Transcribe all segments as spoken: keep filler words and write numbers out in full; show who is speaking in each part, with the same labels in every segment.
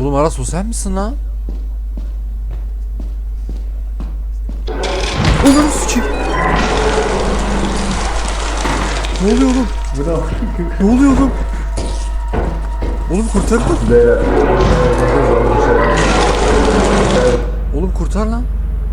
Speaker 1: Oğlum Aras o sen misin lan? Oğlum sıçayım. Ne oluyor oğlum? Ne oluyor oğlum? Oğlum kurtar lan. Oğlum kurtar lan.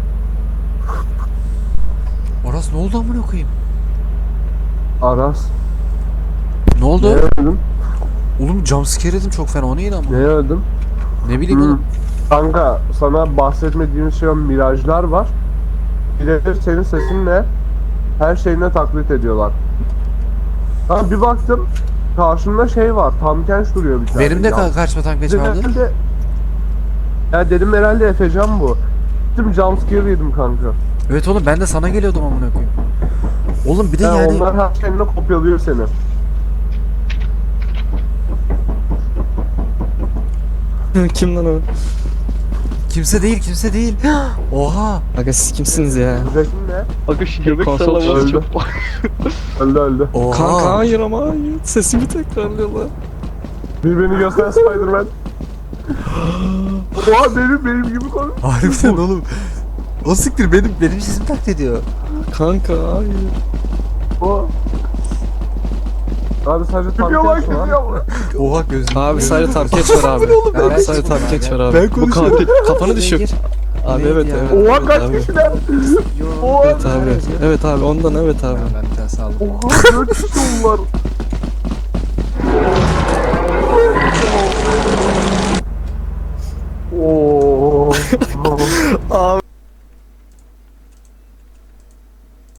Speaker 1: Aras ne oldu amına koyayım?
Speaker 2: Aras.
Speaker 1: Ne oldu?
Speaker 2: Neye öldüm?
Speaker 1: Oğlum jumpscare yedim çok fena, o neydi ama?
Speaker 2: Neye öldüm?
Speaker 1: Ne bileyim oğlum.
Speaker 2: Kanka sana bahsetmediğim şey o mirajlar var. Birebir senin sesinle her şeyine taklit ediyorlar. Ha bir baktım karşımda şey var, Tamkenç duruyor bir tane.
Speaker 1: Benim de
Speaker 2: Ya,
Speaker 1: ka kaçma tankeç
Speaker 2: dedim
Speaker 1: vardı.
Speaker 2: herhalde, ya dedim herhalde Efecan bu. Gittim jumpscare yedim kanka.
Speaker 1: Evet oğlum ben de sana geliyordum amına koyayım. Oğlum bir de
Speaker 2: Ya
Speaker 1: yani
Speaker 2: onlar her şeyine kopyalıyor seni.
Speaker 3: Kim lan o?
Speaker 1: kimse değil kimse değil. Oha.
Speaker 3: Aga siz kimsiniz ya?
Speaker 2: Zekin ne?
Speaker 4: Aga şu göbek
Speaker 3: Konsol
Speaker 4: sallaması
Speaker 2: öldü.
Speaker 4: çok...
Speaker 2: Öldü öldü.
Speaker 1: Oha.
Speaker 3: Kanka hayır ama hayır. Sesimi tekrarlıyorlar.
Speaker 2: Birbirini göster Spiderman. Oha benim benim gibi konuş.
Speaker 1: Harbiden oğlum. O siktir benim benim sesim taklit ediyor.
Speaker 3: Kanka hayır.
Speaker 2: O. Abi sadece Tamkenç var.
Speaker 1: Oha gözüm.
Speaker 3: Abi sadece Tamkeç var abi. Abi sadece Tamkeç var abi.
Speaker 1: Ben
Speaker 3: Bu
Speaker 1: konuşuyorum.
Speaker 3: katil kafanı düşür. Abi
Speaker 1: Neydi
Speaker 3: evet
Speaker 1: ya?
Speaker 3: evet.
Speaker 2: Oha
Speaker 3: evet
Speaker 2: kaç
Speaker 3: abi.
Speaker 2: kişiler? Oha.
Speaker 3: Evet abi. Evet abi ondan evet abi.
Speaker 1: Ben bir tane sağladım.
Speaker 2: Oha dört kişi var. Oo.
Speaker 3: Abi